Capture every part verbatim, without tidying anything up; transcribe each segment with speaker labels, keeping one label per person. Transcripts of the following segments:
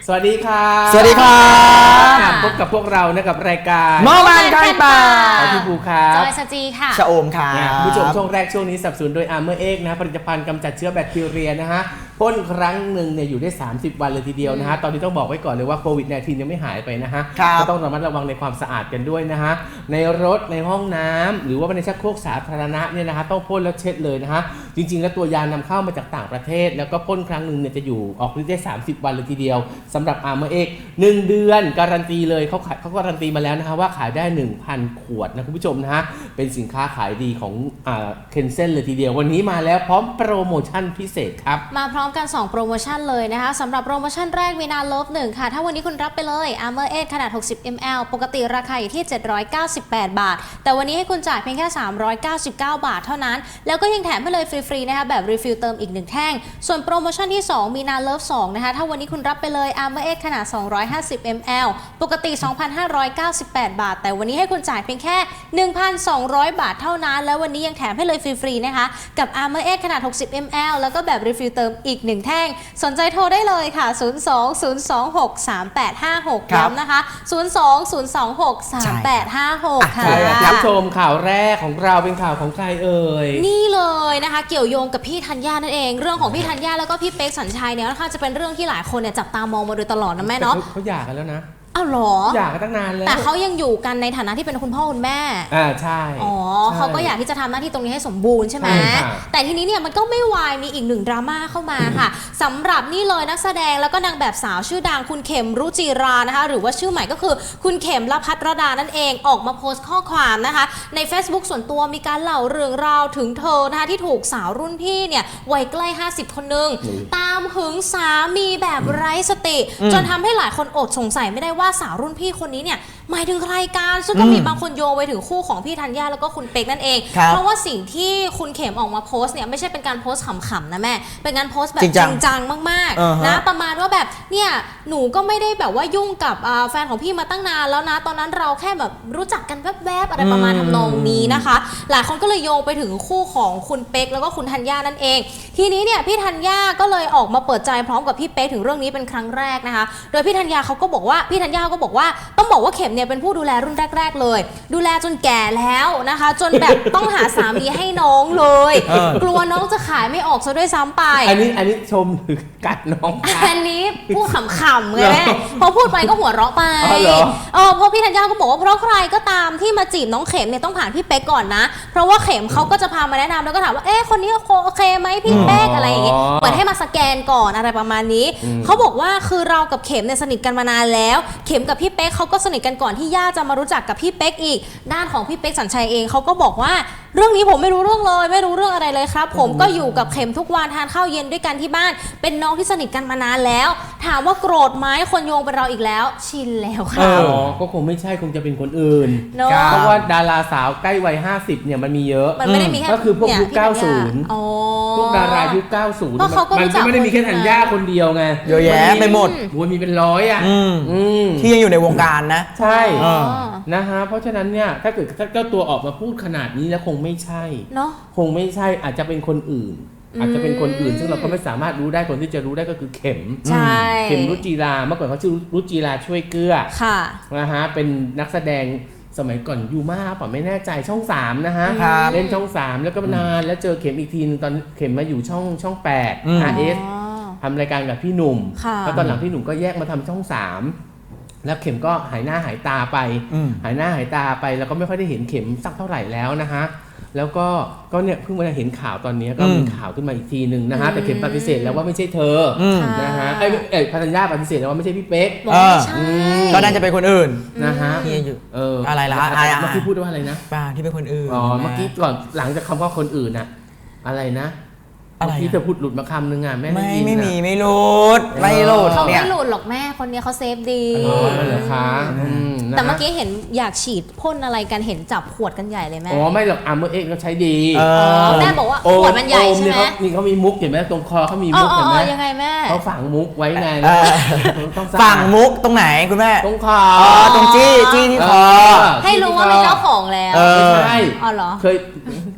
Speaker 1: สวัสดีครับ
Speaker 2: สวัสดีครับ
Speaker 1: พบกับพวกเรานะกับรายการ
Speaker 2: เมื่อวานกันป่า
Speaker 1: พี่ภูครับ
Speaker 3: จอยสจีค่ะ
Speaker 2: ชะโอมค่ะ
Speaker 1: คุณผู้ชมช่วงแรกช่วงนี้สนับสนุนโดย Armor X นะผลิตภัณฑ์กำจัดเชื้อแบคทีเรียนะฮะพ่นครั้งหนึ่งเนี่ยอยู่ได้สามสิบวันเลยทีเดียวนะฮะตอนนี้ต้องบอกไว้ก่อนเลยว่าโควิด สิบเก้า ยังไม่หายไปนะฮะก็ต้องระมัดระวังในความสะอาดกันด้วยนะฮะในรถในห้องน้ำหรือว่าในชักโครกสาธารณะเนี่ยนะฮะต้องพ่นแล้วเช็ดเลยนะฮะจริงๆแล้วตัวยานำเข้ามาจากต่างประเทศแล้วก็พ่นครั้งหนึ่งเนี่ยจะอยู่ออกฤทธิ์ได้สามสิบวันเลยทีเดียวสำหรับ Armor X หนึ่งเดือนการันตีเลยเขาเขาการันตีมาแล้วนะฮะว่าขายได้ หนึ่งพัน ขวดนะคุณผู้ชมนะฮะเป็นสินค้าขายดีของอ่าเคนเซ่นเลยทีเดียววันนี้มาแล้วพร้อมโปรโมชั่นพิเศษครับ
Speaker 3: มาพร้อมกันสองโปรโมชั่นเลยนะคะสำหรับโปรโมชั่นแรกวีนาเลิฟหนึ่งค่ะถ้าวันนี้คุณรับไปเลย Armor X ขนาดหกสิบมิลลิลิตร ปกติราคาอยู่ที่เจ็ดร้อยเก้าสิบแปดบาทแต่วันนี้ให้คุณจ่ายเพียงแค่สามร้อยเก้าสิบเก้าบาทเท่านั้นแล้วก็ยังแถมให้เลยฟรีๆนะคะแบบรีฟิลเติมอีกหนึ่งแท่งส่วนโปรโมชั่นที่สองมีนาเลิฟสองนะคะถ้าวันนี้คุณรับไปเลย Armor X ขนาดสองร้อยห้าสิบมิลลิลิตร ปกติ สองพันห้าร้อยเก้าสิบแปดบาทแต่วันนี้ให้คุณจ่ายเพียงแค่ หนึ่งพันสองร้อยบาทเท่านั้นแล้ววันนี้ยังแถมให้เลยฟรีๆนะคะกับ Armor X ขนาดหกสิบมิลลิลิตร แล้วก็แบบรีฟิลเติมอีกหนึ่งแท่งสนใจโทรได้เลยค่ะศูนย์ สอง ศูนย์ สอง หก สาม แปด ห้า หกย้ำนะคะศูนย์ สอง ศูนย์ สอง หก สาม แปด ห้า หกค่ะ
Speaker 1: รับชมข่าวแรกของเราเป็นข่าวของใครเอ่ย
Speaker 3: นี่เลยนะคะเกี่ยวโยงกับพี่ธัญญานั่นเองเรื่องของพี่ธัญญาแล้วก็พี่เป๊กสัญชัยเนี่ยนะคะจะเป็นเรื่องที่หลายคนเนี่ยจับตามองมาโดยตลอดนะแม่เนาะ
Speaker 1: เขาหย่ากันแล้วนะ
Speaker 3: อ้าวหรอ
Speaker 1: หย่ากันตั้งนานแล้ว
Speaker 3: แต่เขายังอยู่กันในฐานะที่เป็นคุณพ่อคุณแม่
Speaker 1: อ่าใช่
Speaker 3: อ๋อเขาก็อยากที่จะทำหน้าที่ตรงนี้ให้สมบูรณ์ใช่ไหมแต่ทีนี้เนี่ยมันก็ไม่วายมีอีกหนึ่งดราม่าเข้ามาค่ะสำหรับนี่เลยนักแสดงแล้วก็นางแบบสาวชื่อดังคุณเข็มรุจิรานะคะหรือว่าชื่อใหม่ก็คือคุณเข็มละพัทรดานั่นเองออกมาโพสต์ข้อความนะคะใน Facebook ส่วนตัวมีการเล่าเรื่องราวถึงเธอนะคะที่ถูกสาวรุ่นพี่เนี่ยวัยใกล้ห้าสิบคนนึงตามหึงสามีแบบไร้สติจนทำให้หลายคนอดสงสัยไม่ได้ว่าสาวรุ่นพี่คนนี้เนี่ยหมายถึงใครกันซึ่งก็มีบางคนโยงไปถึงคู่ของพี่ธัญญาแล้วก็คุณเป๊กนั่นเองเพราะว่าสิ่งที่คุณเข็มออกมาโพสต์เนี่ยไม่ใช่เป็นการโพสต์ขำๆนะแม่เป็นการโพสต์แบบจริงจังมากๆนะประมาณว่าแบบเนี่ยหนูก็ไม่ได้แบบว่ายุ่งกับแฟนของพี่มาตั้งนานแล้วนะตอนนั้นเราแค่แบบรู้จักกันแวบๆอะไรประมาณทำนองนี้นะคะหลายคนก็เลยโยงไปถึงคู่ของคุณเป๊กแล้วก็คุณธัญญานั่นเองทีนี้เนี่ยพี่ธัญญาก็เลยออกมาเปิดใจพร้อมกับพี่เป๊กถึงเรื่องนี้เป็นครั้งแรกนะคะโดยพี่ธัญญาเขาก็บอกว่าพี่ธัญญาก็บอกว่าต้องบอกว่าเข็มเนี่ยเป็นผู้ดูแลรุ่นแรกๆเลยดูแลจนแก่แล้วนะคะจนแบบต้องหาสามีให้น้องเลยกลัวน้องจะขายไม่ออกซะด้วยซ้ำไป
Speaker 1: อันนี้อันนี้ชมหรือกัดน้อง
Speaker 3: อันนี้พูดขำๆไงแม่พอพูดไปก็หัวเราะไปเออเพราะพี่ธัญญาก็บอกว่าเพราะใครก็ตามที่มาจีบน้องเข็มเนี่ยต้องผ่านพี่เป๊กก่อนนะเพราะว่าเข็มเขาก็จะพามาแนะนำแล้วก็ถามว่าเอ๊ะคนนี้โอเคไหมพี่เป๊กอะไรอย่างเงี้ยเปิดให้มาสแกนก่อนอะไรประมาณนี้เขาบอกว่าคือเรากับเข็มเนี่ยสนิทกันมานานแล้วเข็มกับพี่เป๊กเขาก็สนิทกันก่อนที่ย่าจะมารู้จักกับพี่เป๊กอีกด้านของพี่เป๊กสัญชัยเองเขาก็บอกว่าเรื่องนี้ผมไม่รู้เรื่องเลยไม่รู้เรื่องอะไรเลยครับผมก็อยู่กับเข็มทุกวันทานข้าวเย็นด้วยกันที่บ้านเป็นน้องที่สนิทกันมานานแล้วถามว่าโกรธไหมคนโยงเป็นเราอีกแล้วชินแล้วค่ะ
Speaker 1: อ๋อก็คงไม่ใช่คงจะเป็นคนอื่นเพราะว่าดาราสาวใกล้วัยห้าสิบเนี่ยมันมีเยอะ
Speaker 3: มันไม่ได้มีแค่
Speaker 1: ก็คือพวกยุคเก้าสิบพวกดารายุคเก้าสิบมันไม่ได้มีแค่ธัญญาคนเดียวไง
Speaker 2: เยอะแยะไปหมด
Speaker 1: มันมีเป็นร้อยอ่ะ
Speaker 2: ที่ยังอยู่ในวงการนะ
Speaker 1: ใช่นะฮะเพราะฉะนั้นเนี่ยถ้าเกิดเจ้าตัวออกมาพูดขนาดนี้แล้วคงไม่ใช่
Speaker 3: เนาะ
Speaker 1: คงไม่ใช่อาจจะเป็นคนอื่นอาจจะเป็นคนอื่นซึ่งเราก็ไม่สามารถรู้ได้คนที่จะรู้ได้ก็คือเข็มเข็มรุจิราเมื่อก่อนเขาชื่อรุจิราช่วยเกลือ
Speaker 3: ค่ะ
Speaker 1: นะฮะเป็นนักแสดงสมัยก่อนยูมาป่ะไม่แน่ใจช่องสามนะฮะเล่นช่องสามแล้วก็นานแล้วเจอเข็มอีกทีนึงตอนเข็มมาอยู่ช่องช่องแปด อาร์ เอส ทำรายการกับพี่หนุ่มแล้วตอนหลังพี่หนุ่มก็แยกมาทำช่องสามแล้วเข็มก็หายหน้าหายตาไปหายหน้าหายตาไปแล้วก็ไม่ค่อยได้เห็นเข็มสักเท่าไหร่แล้วนะฮะแล้วก็ก็เนี่ยเพิ่งมาเห็นข่าวตอนนี้ก็มีข่าวขึ้นมาอีกทีหนึ่งนะฮะแต่เข็มปฏิเสธแล้วว่าไม่ใช่เธอนะฮะไอ้เอ๋ธัญญาปฏิเสธแล้วว่าไม่ใช่พี่เป๊ก
Speaker 2: ก็น่าจะเป็นคนอื่น
Speaker 1: นะฮะ
Speaker 2: ที่อยู่
Speaker 1: เออ
Speaker 2: อะไรล่ะ
Speaker 1: เมื่อกี้พูดว่าอะไรนะ
Speaker 2: ป้าที่เป็นคนอื่น
Speaker 1: อ๋อเมื่อกี้ก่อนหลังจากคำว่าคนอื่นน่ะอะไรนะที่เธอพูดหลุดมาคำนึงอ่ะแม่
Speaker 2: ไม่ไม่มีไม่หลุดไม่หลุด
Speaker 3: เขาไม่หลุดหรอกแม่คนนี้เขาเซฟดี
Speaker 1: อ๋อเหรอคะ
Speaker 3: แต่เมื่อกี้เห็นอยากฉีดพ่นอะไรกันเห็นจับขวดกันใหญ่เลยแม่
Speaker 1: อ๋อไม่หรอกArmor Xก็ใช้ดี
Speaker 3: แม่บอกว่าขวดมันใหญ่ใช่ไหม
Speaker 1: นี่เขามีมุกเห็นไหมตรงคอเขามีมุกเห็นไหม
Speaker 3: ยังไงแม่
Speaker 1: เขาฝังมุกไว้ไง
Speaker 2: ฝังมุกตรงไหนคุณแม่
Speaker 1: ตรงคอ
Speaker 2: ตรงจี้จี้ที่คอ
Speaker 3: ให้รู้ว่าเป็นเจ้าของแล้ว
Speaker 1: ไม่ใช่
Speaker 3: อ๋อเหรอ
Speaker 1: เคย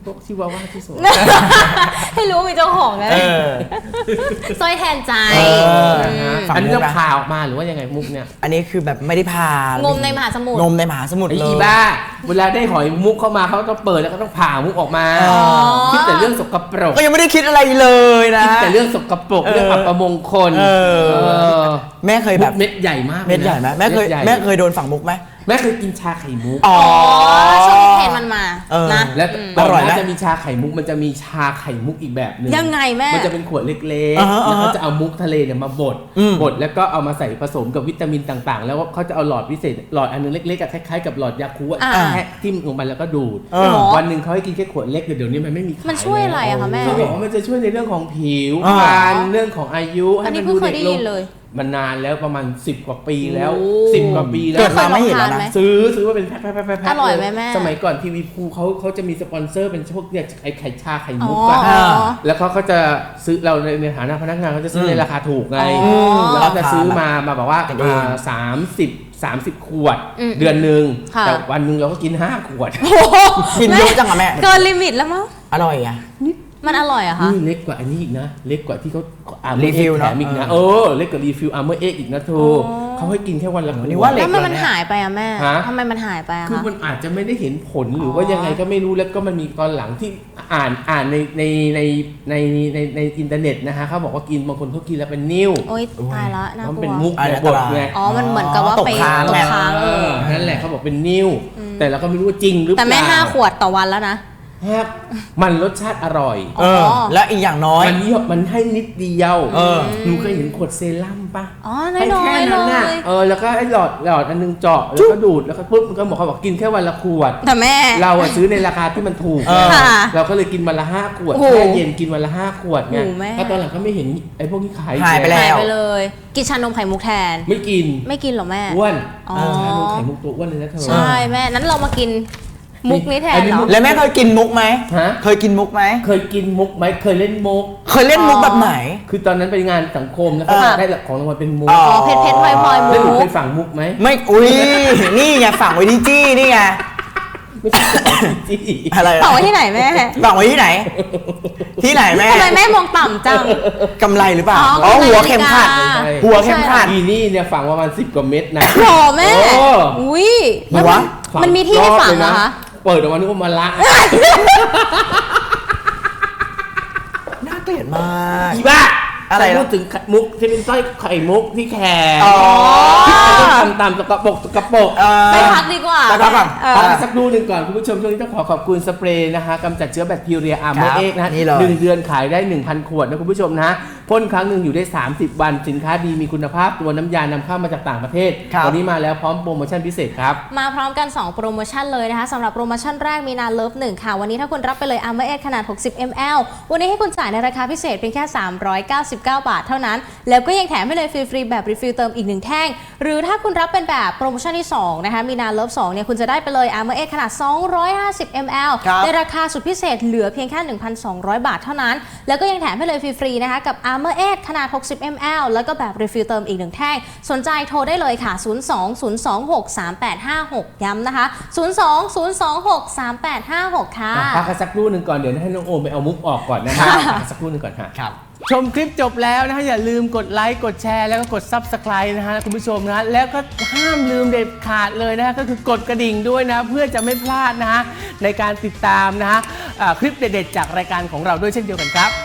Speaker 1: พวกชิวาว่าที่สวย
Speaker 3: ให้รู้มีเจ้าของนะ
Speaker 2: เออ
Speaker 3: สร้อยแทนใจ
Speaker 2: เออ
Speaker 3: ม
Speaker 2: ฝั่ง
Speaker 1: อันนี้
Speaker 2: มุ
Speaker 1: จะ
Speaker 2: กนะ
Speaker 1: พาออกมาหรือว่ายังไงมุกเนี่ย
Speaker 2: อันนี้คือแบบไม่ได้พาง
Speaker 3: มในมหาสมุทร
Speaker 2: งมในมหาสมุทร
Speaker 1: ไอ้
Speaker 2: เลย
Speaker 1: อีบ้า เวลาได้หอยมุกเข้ามาเขาต้องเปิดแล้วก็ต้องผ่ามุกออกมา
Speaker 2: อ๋อ
Speaker 1: คิดแต่เรื่องสกปรก
Speaker 2: ก็ยังไม่ได้คิดอะไรเลยนะ
Speaker 1: คิดแต่เรื่องสกปรก
Speaker 2: เออ
Speaker 1: เรื่องอัปมงคล
Speaker 2: เออ
Speaker 1: เออ
Speaker 2: แม่เคยแบบ
Speaker 1: มุกเม็ดใหญ่มากลยนะ
Speaker 2: เม็ดใหญ่ไหมแม่เคย
Speaker 1: ดใหญ่
Speaker 2: แม่เคยโดนฝั่งมุกไหม
Speaker 1: แม่เคยกินชาไข่มุก
Speaker 2: อ๋อ
Speaker 3: อ๋อช่วงนี้เทรนด์มันมา
Speaker 2: เออ
Speaker 3: นะ
Speaker 1: แล้ว
Speaker 3: อืม
Speaker 1: ตอน
Speaker 2: อร่อยไหม
Speaker 1: นั้นจะมีชาไข่มุกมันจะมีชาไข่มุกอีกแบบหนึ่ง
Speaker 3: ยังไงแม่
Speaker 1: มันจะเป็นขวดเล็ก
Speaker 2: อ่าฮะ
Speaker 1: ๆ แล้วเขา
Speaker 2: อ่าฮะ
Speaker 1: จะเอามุกทะเลเนี่ยมาบด
Speaker 2: อืม
Speaker 1: บดแล้วก็เอามาใส่ผสมกับวิตามินต่างๆ แล้วเขาจะเอาหลอดพิเศษหลอดอันนึงเล็กๆอะคล้ายๆกับหลอดยาคูอะ
Speaker 3: อ่า
Speaker 1: แค่ทิ่มลงไปแล้วก็ดูด
Speaker 2: เออ
Speaker 1: วันหนึ่งเขาให้กินแค่ขวดเล็กเดี๋ยวนี้มันไม่มีขาย
Speaker 3: มันช่วยอะไรอะคะแม่
Speaker 1: เขาบอกว่ามันจะช่วยในเรื่องของผิว
Speaker 2: อ๋อ
Speaker 1: พรรณเรื่องของอายุให้
Speaker 3: อันนี้
Speaker 1: มัน
Speaker 3: เพิ่
Speaker 1: ดู
Speaker 3: งเค
Speaker 1: เด็
Speaker 3: ย
Speaker 1: ก
Speaker 3: ได้
Speaker 1: ล
Speaker 3: ยิ
Speaker 1: ง
Speaker 3: นเลย
Speaker 1: มันนานแล้วประมาณสิบกว่าปีแล้ว
Speaker 3: โอ้
Speaker 1: สิบกว่าปีแล้ว
Speaker 2: เกิดมาไม่เห็นแล้วนะ
Speaker 1: ซื้อซื้อมาเป็นแพ็คแพ็คแพ็คแพ็ค
Speaker 3: อร่อยไหมแม่
Speaker 1: สมัยก่อนทีวีภูเขาเขาจะมีสปอนเซอร์เป็นพวกเนี่ยไอ้ไข่ชาไข่
Speaker 3: อ๋อ
Speaker 1: มุกอะแล้วเขาก็จะซื้อเราในในฐานะพนักงานเขาจะซื้อในราคาถูกไง
Speaker 3: อ๋อ
Speaker 1: แล้วก็จะซื้อมามาบอกว่า
Speaker 2: กันเอง
Speaker 1: สามสิบสามสิบขวด
Speaker 3: อืม
Speaker 1: เดือนหนึ่ง
Speaker 3: ค่ะ
Speaker 1: แต่วันหนึ่งเราก็กินห้าขวด
Speaker 3: โอ้โห
Speaker 2: กินเยอะจังอะแม่
Speaker 3: เกินลิมิตแล้วมั้ง
Speaker 2: อร่อยอ่ะ
Speaker 3: มันอร่อยอะคะ
Speaker 1: นี่เล็กกว่าอันนี้อีกนะ เล็กกว่าที่เขาอาร์เม
Speaker 2: รีฟิล
Speaker 1: แถ
Speaker 2: เนอะ
Speaker 1: มอีกนะ
Speaker 2: เอ
Speaker 1: เอ
Speaker 2: อ
Speaker 1: อเล็กกว่ารีฟิลอาร์เมอร์เอ็กอีกนะเธอ
Speaker 3: อ๋อ
Speaker 1: เขาให้กินแค่วันละขวด
Speaker 2: นี่ว่าเล็
Speaker 3: แล้
Speaker 2: ก
Speaker 3: วมันมันหายไปอะแม่
Speaker 1: ฮะ
Speaker 3: ทำไมมันหายไปอะ
Speaker 1: คือ
Speaker 3: คะ
Speaker 1: มันอาจจะไม่ได้เห็นผลหรือว่ายังไงก็ไม่รู้แล้วก็มันมีตอนหลังที่อ่านอ่านในในในในในในอินเทอร์เน็ตนะฮะเขาบอกว่ากินบางคนเขากินแล้วเป็นนิ่ว
Speaker 3: โอ๊ยตายละน่าก
Speaker 1: มัน
Speaker 3: ลั
Speaker 1: เป็น
Speaker 3: ว
Speaker 1: มุก
Speaker 2: อัน
Speaker 1: ใน
Speaker 2: ต
Speaker 1: บท
Speaker 2: ราย
Speaker 1: ไง
Speaker 3: อ๋อ มันเหมือนกับว่า
Speaker 2: ตก
Speaker 3: ไป
Speaker 2: ค้าง
Speaker 3: ตก
Speaker 2: ไง
Speaker 3: ค้าง
Speaker 1: เออนั่นแหละเขาบอกเป็นนิ่วแต่เราก็ไม่รู้ว่าจริงหรือเป
Speaker 3: แต่
Speaker 1: ล่า
Speaker 3: แม่ห้าขวดต่อวันแล้วนะ
Speaker 1: ครับมันรสชาติอร่อย
Speaker 2: เออ และอีกอย่างน้อย
Speaker 1: มันเยอะมันให้นิดเดียว
Speaker 2: เออ
Speaker 1: หนูเคยเห็นขวดเซรั่มปะ
Speaker 3: อ๋อ
Speaker 1: ให้
Speaker 3: น้อย
Speaker 1: แค่
Speaker 3: ๆเล
Speaker 1: นั้นน่ะ
Speaker 3: ย
Speaker 1: เออแล้วก็ไอ้หลอดหลอดอันนึงเจาะแล้วก็ดูดแล้วก็ปุ๊บมันก็บอกเขาบอกกินแค่วันละขวด
Speaker 3: แต่แม่
Speaker 1: เราอะซื้อในราคาที่มันถูก
Speaker 2: เออ
Speaker 3: ค่ะ
Speaker 1: เราก็เลยกินวันละห้าขวด
Speaker 3: โอ้โห
Speaker 1: แช่เย็นกินวันละห้าขวดไง
Speaker 3: โอ้โหแม่
Speaker 1: เพราะตอนหลังก็ไม่เห็นไอ้พวกนี้ขาย
Speaker 2: หายไปแล้
Speaker 3: หายว ไปเลย กินชานมไข่มุกแทน
Speaker 1: ไม่กิน
Speaker 3: ไม่กินเหรอแม่
Speaker 1: อ้วน
Speaker 3: อ๋อ
Speaker 1: ชานมไข่มุกตัวอ้วนเลยนะเธอ
Speaker 3: ใช่แม่ นั้นเรามากินมุกนี้แทน
Speaker 1: อันนี้
Speaker 3: เหร
Speaker 1: มุ
Speaker 3: อ
Speaker 1: ก
Speaker 2: แล้วแม่เคยกินมุกไหม
Speaker 1: ฮะ
Speaker 2: เคยกินมุกไหม
Speaker 1: เคยกินมุกไหมเคยเล่นมุก
Speaker 2: เคยเล่นมุกแบบไหน
Speaker 1: คือตอนนั้นไปงานสังคมแล้วก็
Speaker 3: ค่ะ
Speaker 1: ได้ของรางวัลเป็นมุก
Speaker 2: อ๋อ
Speaker 3: อ๋อเพชรเพชรพลอยพลอยมุ
Speaker 1: แล้วหนู
Speaker 3: ก
Speaker 1: เคยฝังมุกไหม
Speaker 2: ไม่ อุ้ย นี่ไงฝังไว้ที่จี้นี่ไง
Speaker 1: ไม่ใช่ของจี้
Speaker 2: อะไร
Speaker 3: ต่อไว้ที่ไหนแม่
Speaker 2: ฝังไว้ที่ไหน ที่ไหนแม่
Speaker 3: ทำไมแม่มองต่ำจัง
Speaker 2: กำไรหรือเปล่า
Speaker 3: อ๋อ
Speaker 2: อ๋อ
Speaker 3: กำไร
Speaker 2: หัวเข็มขัด
Speaker 3: นาฬิกา
Speaker 2: หัวเข็มขัด
Speaker 1: อีนี่เนี่ยฝังประมาณสิบกว่าเม็ดนะ
Speaker 3: โหแม่
Speaker 1: โอ้
Speaker 3: อุ้ย
Speaker 2: หัว
Speaker 3: มันมันมีที่ให้ฝังเหรอคะ
Speaker 1: เปิดออกมานึกว่ามาละ
Speaker 2: น่าเกลียดมาก
Speaker 1: อีบ้า
Speaker 2: อะไรนะ
Speaker 1: พูดถึงมุกที่เป็นสร้อยไข่มุกที่แขน
Speaker 2: อ๋อ
Speaker 1: ที่ทำตามสกปรกสกปรก
Speaker 2: เออ
Speaker 3: ไปพักดีกว่า
Speaker 2: ไปพักก่อน
Speaker 3: เออ
Speaker 1: พักสักครู่หนึ่งก่อนคุณผู้ชมช่วงนี้ต้องขอขอบคุณสเปรย์นะคะกำจัดเชื้อแบคทีเรียอาร์เมอ
Speaker 2: ครั
Speaker 1: ร์
Speaker 2: บ
Speaker 1: เอ็กนะฮะ
Speaker 2: นี่เลย
Speaker 1: หนึ่งเดือนขายได้ หนึ่งพัน ขวดนะคุณผู้ชมนะพ่นครั้งหนึ่งอยู่ได้ สามสิบ วันสินค้าดีมีคุณภาพตัวน้ำยานำเข้ามาจากต่างประเทศ
Speaker 2: ครับ
Speaker 1: วันนี้มาแล้วพร้อมโปรโมชั่นพิเศษครับ
Speaker 3: มาพร้อมกัน สอง โปรโมชั่นเลยนะคะสำหรับโปรโมชั่นแรกมีนาเลิฟหนึ่งค่ะ วันนี้ถ้าคุณรับไปเลย Armor Edge ขนาด หกสิบมิลลิลิตร วันนี้ให้คุณจ่ายในราคาพิเศษเพียงแค่ สามร้อยเก้าสิบเก้า บาทเท่านั้น แล้วก็ยังแถมให้เลยฟรีๆแบบรีฟิลเติมอีกหนึ่งแท่ง หรือถ้าคุณรับเป็นแบบโปรโมชั่นที่สองนะคะมีนาเลิฟสองเนี่ยคุณจะได้ไปเลย Armor Edge ขนาด สองร้อยห้าสิบมิลลิลิตร
Speaker 2: ครับ
Speaker 3: ในราคาสุดพิเศษเหลือเพียงแค่ หนึ่งพันสองร้อย บาทเท่านั้น แล้วก็ยังแถมให้เลยฟรีๆนะคะกับ Armor Edge ขนาด หกสิบมิลลิลิตร แล้วก็แบบรีฟิลเติมอีกหนึ่งแท่งสนใจโทรได้เลยค่ะ ศูนย์ สอง ศูนย์ สอง หก สาม แปด ห้า หก ย้ำนะคะ ศูนย์ สอง ศูนย์ สอง หก สาม แปด ห้า หก ค่ะ
Speaker 1: พักกันสักครู่หนึ่งก่อนเดี๋ยวให้น้องโอมไปเอามุกออกก่อนนะครับพักกันสักครู่หนึ่งก่อนค่ะ
Speaker 2: ครับ
Speaker 1: ชมคลิปจบแล้วนะฮะอย่าลืมกดไลค์กดแชร์แล้วก็กด ซับสไครบ์ นะฮะคุณผู้ชมนะฮะแล้วก็ห้ามลืมเด็ดขาดเลยนะฮะก็คือกดกระดิ่งด้วยนะเพื่อจะไม่พลาดนะฮะในการติดตามนะฮะอ่าคลิปเด็ดๆจากรายการของเราด้วยเช่นเดียวกันครับ